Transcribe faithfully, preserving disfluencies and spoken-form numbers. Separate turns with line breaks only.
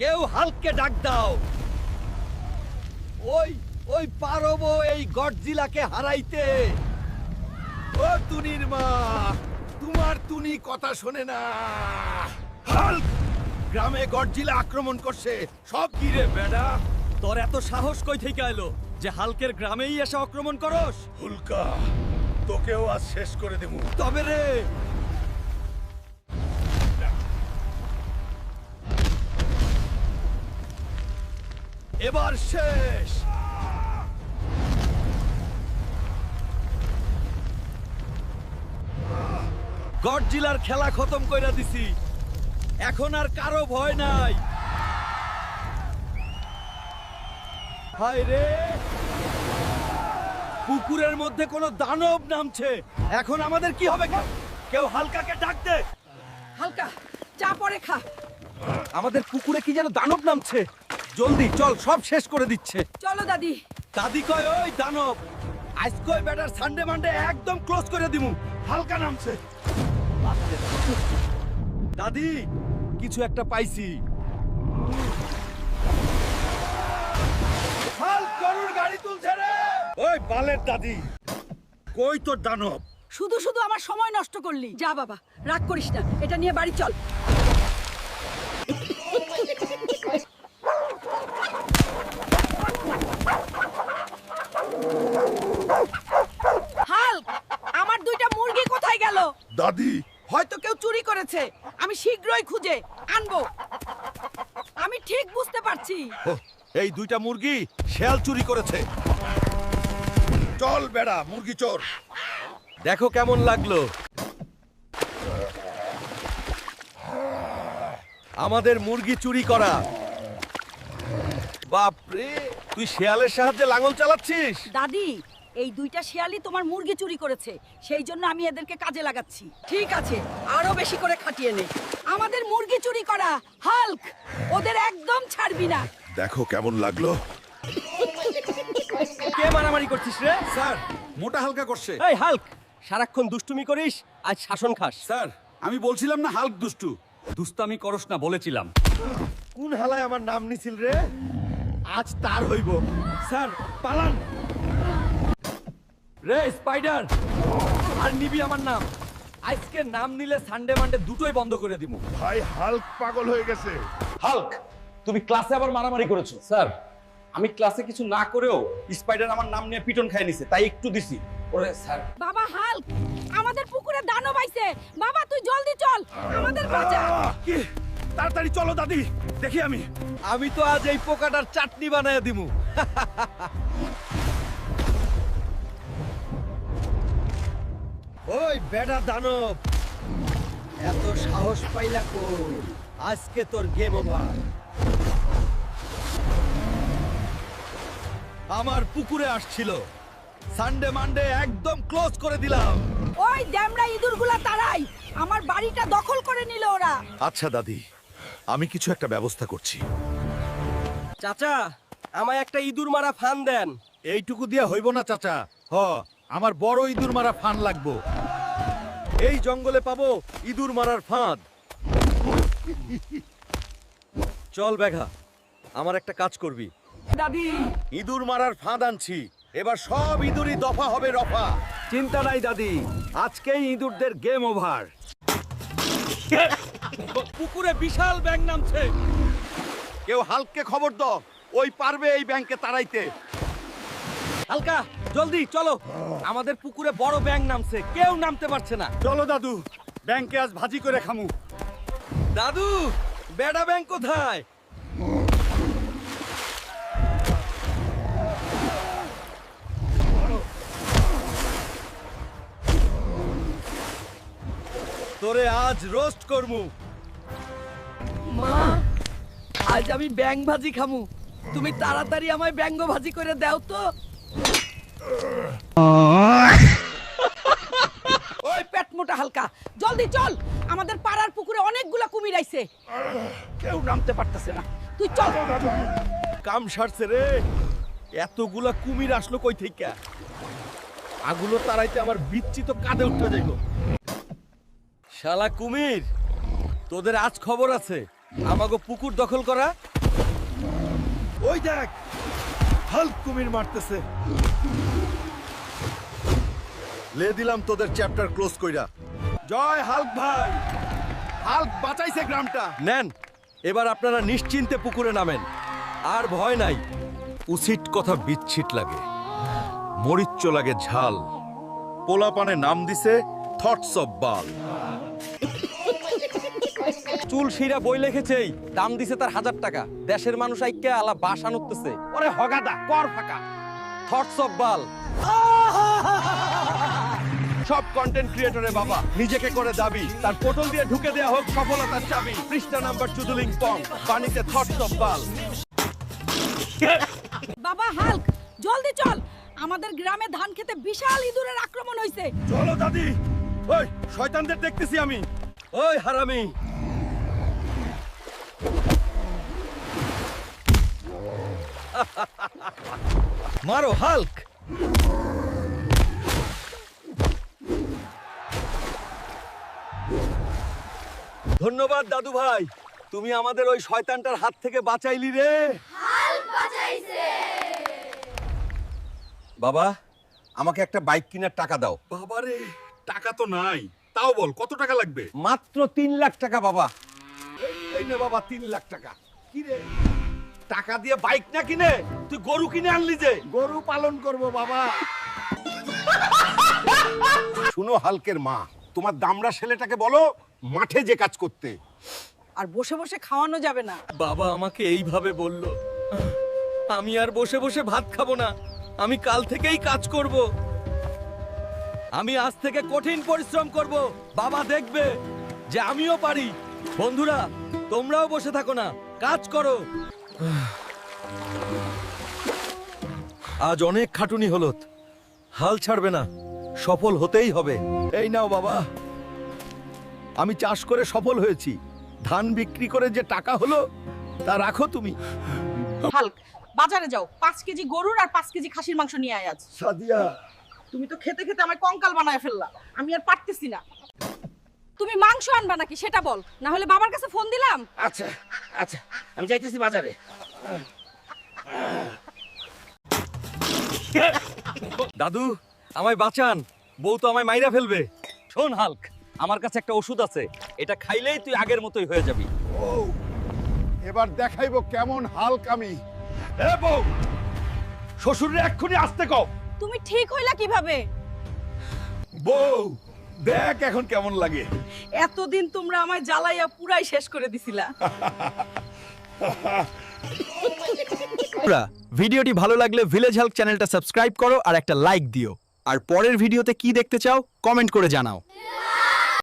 কেউ হালককে ডাক দাও। ওই ওই পারবো এই গডজিলাকে হারাইতে। ও তুনির মা, তোমার তুনি কথা শোনে না। হাল্ক, গ্রামে গডজিলা আক্রমণ করছে। সব কি রে বেডা? তোর এত সাহস কই থেকে এলো যে হালকের গ্রামেই এসে আক্রমণ করস?
হুলকা, তোকেও আজ শেষ করে দেবো।
তবে রে এবার শেষ। গডজিলার খেলা খতম কইরা দিছি, এখন আর কারো ভয় নাই। হায় রে, পুকুরের মধ্যে কোনো দানব নামছে। এখন আমাদের কি হবে? কেউ হালকাকে ডাক দে।
হালকা চা পরে খা।
আমাদের পুকুরে কি যেন দানব নামছে। জলদি চল, সব শেষ করে দিচ্ছে।
চলো দাদি।
দাদি কয় ওই দানব আজ কয় বেটার সানডে মানডে একদম ক্লোজ করে দিমু। হালকা নামছে। দাদি কিছু একটা পাইছি। হাল গরুর গাড়ি তুলছে রে। ওই বালের দাদি, কই তোর দানব?
শুধু শুধু আমার সময় নষ্ট করলি। যা বাবা, রাগ করিস না, এটা নিয়ে বাড়ি চল। হাল্ক, আমার দুইটা মুরগি কোথায় গেল?
দাদি,
হয়তো কেউ চুরি করেছে। আমি শীঘ্রই খুঁজে আনবো। আমি ঠিক বুঝতে পারছি।
ও, এই দুইটা মুরগি শেয়াল চুরি করেছে।
চল বেড়া, মুরগি চোর।
দেখো কেমন লাগলো। আমাদের মুরগি চুরি করা। বাপরে, তুই শেয়ালের সাহায্যে লাঙল চালাচ্ছিস?
দাদি, এই দুইটা শেয়ালই তোমার মুরগি চুরি করেছে, সেই জন্য আমি এদেরকে কাজে লাগাচ্ছি। ঠিক আছে, আরো বেশি করে খাটিয়ে নে। আমাদের মুরগি চুরি করা। হাল্ক, ওদের একদম ছাড়বি না।
দেখো কেমন লাগলো।
কে মারামারি করছিস রে?
স্যার, মোটা হালকা করছে।
এই হাল্ক, সারাক্ষণ দুষ্টুমি করিস, আজ শাসন খাস।
স্যার, আমি বলছিলাম না হাল্ক দুষ্টু।
দুস্তামি করস না বলেছিলাম। কোন হালায় আমার নাম নিছিল রে? আজ তার হইব। স্যার পালান। রে স্পাইডার, আর নিবি আমার নাম। আজকে নাম নিলে সানডে মানডে দুটোই বন্ধ করে দিব।
ভাই হাল্ক পাগল হয়ে গেছে।
হাল্ক, তুমি ক্লাসে আবার মারামারি করেছো। স্যার, আমি ক্লাসে কিছু না করেও স্পাইডার আমার নাম নিয়ে পিটন খাই নিছে, তাই একটু দিছি। ওরে স্যার,
বাবা হাল্ক, আমাদের পুকুরে দানব আইছে। বাবা তুই জলদি চল, আমাদের বাঁচা।
কি? তাড়াতাড়ি চলো দাদি, দেখি আমি। আমি তো আজ এই পোকাটার চাটনি বানায় দিমু। ওই বেটা দানব, এত সাহস পাইলা কই? আজকে তোর গেম ওভার। আমার পুকুরে আসছিল, সানডে মানডে একদম ক্লোজ করে দিলাম।
ওই ড্যামরা ইঁদুরগুলা তাড়াই, আমার বাড়িটা দখল করে নিল ওরা।
আচ্ছা দাদি, আমি কিছু একটা ব্যবস্থা করছি।
চাচা, আমায় একটা ইঁদুর মারা ফান দেন।
এইটুকু দিয়ে হইব না চাচা। হ, আমার বড় ইঁদুর মারা ফান লাগবো।
এই জঙ্গলে পাবো ইঁদুর মারার ফাঁদ। চল বেঘা, আমার একটা কাজ করবি।
দাদি,
ইঁদুর মারার ফাঁদ আনছি, এবার সব ইঁদুরই দফা হবে রফা। চিন্তা নাই দাদি, আজকেই ইঁদুরদের গেম ওভার। পুকুরে বিশাল ব্যাঙ নামছে। কেউ হালককে খবর দাও, ওই পারবে এই ব্যাংকে তাড়াইতে। হালকা জলদি চলো, আমাদের পুকুরে বড় ব্যাঙ নামছে, কেউ নামতে পারছে না।
চলো দাদু, ব্যাংকে আজ ভাজি করে খামু।
দাদু, বেডা ব্যাঙ কোথায়? তোরে আজ রোস্ট করমু।
মা, আজ আমি ব্যাং ভাজি খামু। তুমি তাড়াতাড়ি আমায় ব্যাঙ্গ ভাজি করে দাও তো। ওই পেট মোটা হালকা, জলদি চল, আমাদের পাড়ার পুকুরে অনেকগুলা কুমির আইছে।
কেউ নামতে পারতেছে না।
তুই চল।
কাম সারছে রে, এতগুলা কুমির আসলো কই থেকে? আগুলো তারাইতে আমার বিচ্ছি তো কাঁধে উঠতে যাইব। শালা কুমির, তোদের আজ খবর আছে। আমাগো পুকুর দখল করা। ওই দেখ, হাল্ক কুমির মারতেছে।
লে দিলাম তোদের চ্যাপ্টার ক্লোজ কইরা।
জয় হাল্ক ভাই, হাল্ক বাঁচাইছে গ্রামটা। নেন, এবার আপনারা নিশ্চিন্তে পুকুরে নামেন, আর ভয় নাই।
উচিত কথা বিচ্ছিট লাগে, মরিচ্চ লাগে ঝাল। পোলাপানে নাম দিছে থটস অফ বাল।
চুল শিরা বই লিখেছেই, দাম দিছে তার হাজার টাকা। দেশের মানুষ আইক্যা আলা বাসা নুকতেছে। ওরে হগাদা কর ফাঁকা, থটস অফ বাল।
সব কন্টেন্ট ক্রিয়েটরে বাবা নিজেকে করে দাবি, তার পোর্টাল দিয়ে ঢুকে দেয়া হোক সফলতার চাবি। পৃষ্ঠা নাম্বার চুদুলিং পং, পানিতে থটস অফ বাল।
বাবা হাল্ক, জলদি চল, আমাদের গ্রামে ধান খেতে বিশাল ইঁদুরের আক্রমণ হয়েছে।
চলো দাদি, ওই শয়তানদের দেখতেছি আমি। ওই হারামি, মারো হাল্ক। ধন্যবাদ দাদু ভাই, তুমি আমাদের ওই শয়তানটার হাত থেকে বাঁচাইলি রে। বাবা, আমাকে একটা বাইক কেনার টাকা দাও।
বাবারে, টাকা তো নাই, তাও বল কত টাকা লাগবে?
মাত্র তিন লাখ টাকা বাবা।
এই নে বাবা, তিন লাখ টাকা। কি রে, টাকা দিয়ে বাইক না কিনে তুই গরু কিনে আনলি যে?
গরু পালন করব বাবা। শুনো হালকের মা, তোমার দামড়া ছেলেটাকে বলো মাঠে যে কাজ করতে।
আর বসে বসে খাওয়ানো যাবে না।
বাবা আমাকে এইভাবে বলল, আমি আর বসে বসে ভাত খাবো না, আমি কাল থেকেই কাজ করব। আমি আজ থেকে কঠিন পরিশ্রম করব, বাবা দেখবে যে আমিও পারি। বন্ধুরা, তোমরাও বসে থাকো না, কাজ করো। আজ অনেক খাটুনি হলো, হাল ছাড়বে না, সফল হতেই হবে। এই নাও বাবা, আমি চাষ করে সফল হয়েছি, ধান বিক্রি করে যে টাকা হলো তা রাখো তুমি।
হাল্ক, বাজারে যাও, পাঁচ কেজি গরুর আর পাঁচ কেজি খাসির মাংস নিয়ে আয় আজ।
সাদিয়া,
তুমি তো খেতে খেতে আমার কঙ্কাল বানায় ফেললা, আমি আর পারতেছি না। তুমি মাংস আনবা নাকি সেটা বল, না হলে বাবার কাছে ফোন দিলাম।
আচ্ছা আচ্ছা, আমি যাইতেছি বাজারে।
দাদু আমায় বাঁচান, বউ তো আমায় মাইরা ফেলবে।
শোন হাল্ক, আমার কাছে একটা ওষুধ আছে, এটা খাইলেই তুই আগের মতোই হয়ে যাবি।
এবার দেখাইবো কেমন হালক আমি।
এ বউ, শ্বশুরে এক্ষুনি আসতে কও।
তুমি ঠিক হইলা কিভাবে?
বউ দেখ এখন কেমন লাগে।
এতদিন তোমরা আমায় জ্বালাইয়া পুরাই শেষ করে দিছিলা।
ভিডিওটি ভালো লাগলে ভিলেজ হেল্প চ্যানেলটা সাবস্ক্রাইব করো আর একটা লাইক দিও। আর পরের ভিডিওতে কি দেখতে চাও কমেন্ট করে জানাও।